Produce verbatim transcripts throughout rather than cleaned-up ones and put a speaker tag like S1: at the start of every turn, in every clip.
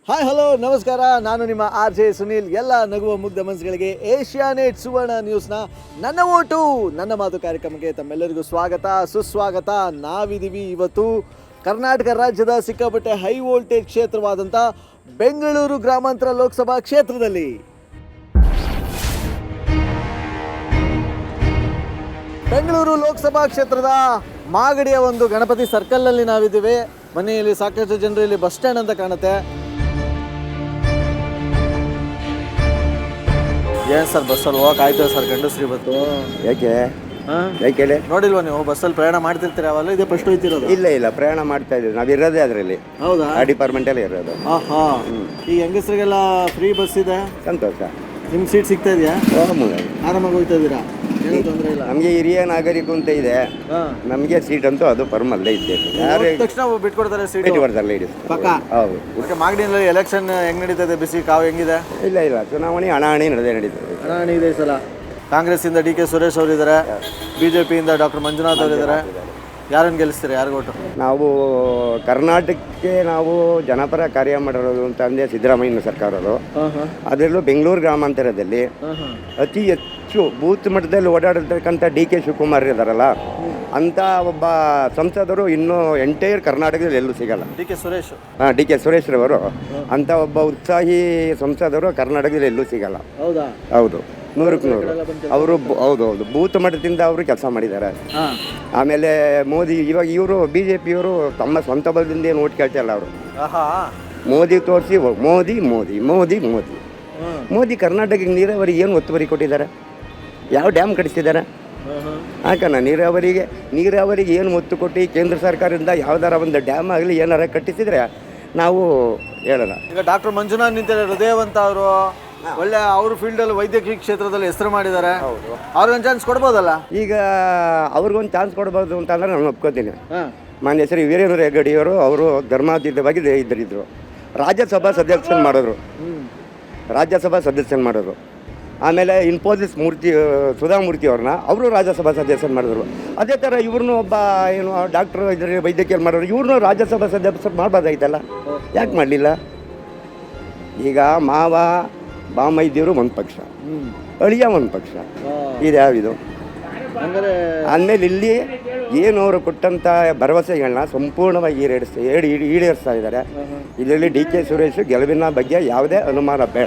S1: Hi hello ನಮಸ್ಕಾರ, ನಾನು ನಿಮ್ಮ ಆರ್ ಜೆ ಸುನೀಲ್. ಎಲ್ಲ ನಗುವ ಮುಗ್ಧ ಮನಸ್ಸುಗಳಿಗೆ ಏಷ್ಯಾನೆಟ್ ಸುವರ್ಣ ನ್ಯೂಸ್ನ ನನ್ನ ಓಟು ನನ್ನ ಮಾತು ಕಾರ್ಯಕ್ರಮಕ್ಕೆ ತಮ್ಮೆಲ್ಲರಿಗೂ ಸ್ವಾಗತ ಸುಸ್ವಾಗತ. ನಾವಿದ್ದೀವಿ ಇವತ್ತು ಕರ್ನಾಟಕ ರಾಜ್ಯದ ಸಿಕ್ಕಾಪಟ್ಟೆ ಹೈ ವೋಲ್ಟೇಜ್ ಕ್ಷೇತ್ರವಾದಂಥ ಬೆಂಗಳೂರು ಗ್ರಾಮಾಂತರ ಲೋಕಸಭಾ ಕ್ಷೇತ್ರದಲ್ಲಿ. ಬೆಂಗಳೂರು ಲೋಕಸಭಾ ಕ್ಷೇತ್ರದ ಮಾಗಡಿಯ ಒಂದು ಗಣಪತಿ ಸರ್ಕಲ್ನಲ್ಲಿ ನಾವಿದ್ದೀವಿ. ಮನೆಯಲ್ಲಿ ಸಾಕಷ್ಟು ಜನರು ಇಲ್ಲಿ ಬಸ್ ಸ್ಟ್ಯಾಂಡ್ ಅಂತ ಕಾಣುತ್ತೆ. ಏನು ಸರ್, ಬಸ್ಸಲ್ಲಿ ಹೋಗಕ್ಕೆ ಆಯ್ತು ಸರ್? ಗಂಡಸ್ರಿ ಇವತ್ತು
S2: ಯಾಕೆ
S1: ಹಾಂ
S2: ಯಾಕೆ
S1: ನೋಡಿಲ್ವಾ ನೀವು? ಬಸ್ಸಲ್ಲಿ ಪ್ರಯಾಣ ಮಾಡ್ತಿರ್ತೀರಿ ಅವೆಲ್ಲ? ಇದೇ ಫಸ್ಟ್ ಹೋಯ್ತಿರೋದು?
S2: ಇಲ್ಲ ಇಲ್ಲ ಪ್ರಯಾಣ ಮಾಡ್ತಾ ಇದ್ದೀವಿ ನಾವು, ಇರೋದೇ ಅದರಲ್ಲಿ.
S1: ಹೌದಾ?
S2: ಆ ಡಿಪಾರ್ಟ್ಮೆಂಟಲ್ಲಿ ಇರೋದು.
S1: ಹಾಂ ಹಾಂ. ಈ ಹೆಂಗಸ್ರಿಗೆಲ್ಲ ಫ್ರೀ ಬಸ್ ಇದೆ,
S2: ಸಂತೋಷ.
S1: ನಿಮ್ಗೆ ಸೀಟ್ ಸಿಗ್ತಾ ಇದೆಯಾ? ಆರಾಮಾಗಿ ಹೋಗ್ತಾ ಇದ್ದೀರಾ? ಏನೂ ತೊಂದರೆ ಇಲ್ಲ?
S2: ನಮಗೆ ಹಿರಿಯ ನಾಗರಿಕ ಅಂತ ಇದೆ,
S1: ಹಾಂ.
S2: ನಮಗೆ ಸೀಟ್ ಅಂತೂ ಅದು ಪರ್ಮಲ್ಲೇ ಇದ್ದೆ. ಯಾರು
S1: ಹೋದ ತಕ್ಷಣ ಬಿಟ್ಕೊಡ್ತಾರೆ ಸೀಟ್?
S2: ಇಟ್ಕೊಡ್ತಾರೆ ಇಡಿ
S1: ಪಕ್ಕ.
S2: ಹೌದು.
S1: ಓಕೆ. ಮಾಗಡಿಯಲ್ಲಿ ಎಲೆಕ್ಷನ್ ಹೆಂಗ್ ನಡೀತದೆ? ಬಿಸಿ ಕಾವು ಹೆಂಗಿದೆ?
S2: ಇಲ್ಲ ಇಲ್ಲ ಚುನಾವಣೆ ಹಣಾಹಣಿ ನಡೆದೇ ನಡೀತದೆ.
S1: ಹಣಾಹಣಿ ಇದೆ ಈ ಸಲ. ಕಾಂಗ್ರೆಸ್ಸಿಂದ ಡಿ ಕೆ ಸುರೇಶ್ ಅವರಿದ್ದಾರೆ, ಬಿ ಜೆ ಪಿಯಿಂದ ಡಾಕ್ಟರ್ ಮಂಜುನಾಥ್ ಅವರಿದ್ದಾರೆ. ಯಾರನ್ನು ಗೆಲ್ಲಿಸ್ತೀರಿ? ಯಾರು ಓಟು?
S2: ನಾವು ಕರ್ನಾಟಕಕ್ಕೆ ನಾವು ಜನಪರ ಕಾರ್ಯ ಮಾಡಿರೋದು ಅಂತ ಅಂದೆ ಸಿದ್ದರಾಮಯ್ಯನ ಸರ್ಕಾರರು. ಅದರಲ್ಲೂ ಬೆಂಗಳೂರು ಗ್ರಾಮಾಂತರದಲ್ಲಿ ಅತಿ ಹೆಚ್ಚು ಬೂತ್ ಮಟ್ಟದಲ್ಲಿ ಓಡಾಡಿರ್ತಕ್ಕಂಥ ಡಿ ಕೆ ಶಿವಕುಮಾರ್ ಇದ್ದಾರಲ್ಲ, ಅಂಥ ಒಬ್ಬ ಸಂಸದರು ಇನ್ನೂ ಎಂಟೈರ್ ಕರ್ನಾಟಕದಲ್ಲಿ ಎಲ್ಲೂ ಸಿಗಲ್ಲ.
S1: ಡಿ ಕೆ ಸುರೇಶ್
S2: ಹಾಂ ಡಿ ಕೆ ಸುರೇಶ್ ರವರು ಅಂಥ ಒಬ್ಬ ಉತ್ಸಾಹಿ ಸಂಸದರು ಕರ್ನಾಟಕದಲ್ಲಿ ಎಲ್ಲೂ ಸಿಗಲ್ಲ.
S1: ಹೌದಾ?
S2: ಹೌದು, ನೂರಕ್ಕೆ ನೂರು. ಅವರು ಹೌದು ಹೌದು ಬೂತ್ ಮಟ್ಟದಿಂದ ಅವರು ಕೆಲಸ ಮಾಡಿದ್ದಾರೆ. ಆಮೇಲೆ ಮೋದಿ ಇವಾಗ ಇವರು ಬಿ ಜೆ ಪಿಯವರು ತಮ್ಮ ಸ್ವಂತ ಬಲದಿಂದ ಏನು ಓಟ್ ಕೇಳ್ತಿಲ್ಲ. ಅವರು ಮೋದಿ ತೋರಿಸಿ ಮೋದಿ ಮೋದಿ ಮೋದಿ ಮೋದಿ ಮೋದಿ ಕರ್ನಾಟಕಕ್ಕೆ ನೀರಾವರಿಗೆ ಏನು ಒತ್ತುವರಿ ಕೊಟ್ಟಿದ್ದಾರೆ? ಯಾವ ಡ್ಯಾಮ್ ಕಟ್ಟಿಸಿದ್ದಾರೆ? ಹಾಕಣ ನೀರಾವರಿಗೆ ನೀರಾವರಿಗೆ ಏನು ಒತ್ತು ಕೊಟ್ಟು ಕೇಂದ್ರ ಸರ್ಕಾರದಿಂದ ಯಾವ್ದಾರ ಒಂದು ಡ್ಯಾಮ್ ಆಗಲಿ ಏನಾರ ಕಟ್ಟಿಸಿದ್ರೆ ನಾವು ಹೇಳೋಣ.
S1: ಈಗ ಡಾಕ್ಟರ್ ಮಂಜುನಾಥ್ ನಿಂತಿದ್ದಾರೆ, ಹೃದಯವಂತ ಅವರು, ಒಳ್ಳೆ ಅವ್ರ ಫೀಲ್ಡಲ್ಲಿ ವೈದ್ಯಕೀಯ ಕ್ಷೇತ್ರದಲ್ಲಿ ಹೆಸರು ಮಾಡಿದ್ದಾರೆ. ಅವ್ರಿಗೊಂದು ಚಾನ್ಸ್ ಕೊಡ್ಬೋದಲ್ಲ?
S2: ಈಗ ಅವ್ರಿಗೊಂದು ಚಾನ್ಸ್ ಕೊಡ್ಬೋದು ಅಂತಂದ್ರೆ ನಾನು ಒಪ್ಕೋತೀನಿ. ಮಾನ್ಯ ಶ್ರೀ ವೀರೇಂದ್ರ ಹೆಗ್ಗಡೆಯವರು ಅವರು ಧರ್ಮಾತೀತವಾಗಿ ಇದ್ದರಿದ್ರು. ರಾಜ್ಯಸಭಾ ಸದಸ್ಯನ ಮಾಡಿದ್ರು ರಾಜ್ಯಸಭಾ ಸದಸ್ಯನ ಮಾಡಿದ್ರು ಆಮೇಲೆ ಇನ್ಫೋಸಿಸ್ ಮೂರ್ತಿ ಸುಧಾಮೂರ್ತಿ ಅವ್ರನ್ನ ಅವರು ರಾಜ್ಯಸಭಾ ಸದಸ್ಯನ ಮಾಡಿದ್ರು. ಅದೇ ಥರ ಇವ್ರನ್ನೂ ಒಬ್ಬ ಏನು ಡಾಕ್ಟ್ರು ಇದ್ರೆ ವೈದ್ಯಕೀಯ ಮಾಡೋರು, ಇವ್ರನ್ನೂ ರಾಜ್ಯಸಭಾ ಸದಸ್ಯರು ಮಾಡ್ಬೋದಾಯ್ತಲ್ಲ, ಯಾಕೆ ಮಾಡಲಿಲ್ಲ? ಈಗ ಮಾವ ಬಾಮೈದ್ಯರು ಒಂದು ಪಕ್ಷ, ಅಳಿಯ ಒಂದು ಪಕ್ಷ, ಇದು ಯಾವಿದು? ಅಂದಮೇಲೆ ಇಲ್ಲಿ ಏನು ಅವರು ಕೊಟ್ಟಂಥ ಭರವಸೆಗಳನ್ನ ಸಂಪೂರ್ಣವಾಗಿ ಈಡೇರಿಸ್ತಾ ಏಡಿ ಈಡೇರಿಸ್ತಾ ಇದ್ದಾರೆ. ಇದರಲ್ಲಿ ಡಿ ಕೆ ಸುರೇಶ್ ಗೆಲುವಿನ ಬಗ್ಗೆ ಯಾವುದೇ ಅನುಮಾನ ಬೇಡ.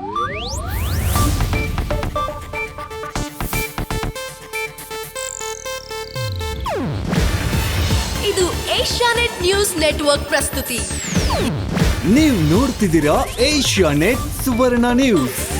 S3: ಇದು ಏಷ್ಯಾನೆಟ್ ನ್ಯೂಸ್ ನೆಟ್ವರ್ಕ್ ಪ್ರಸ್ತುತಿ.
S4: ನೀವು ನೋಡ್ತಿದ್ದೀರಾ ಏಷ್ಯಾನೆಟ್ ಸುವರ್ಣ ನ್ಯೂಸ್.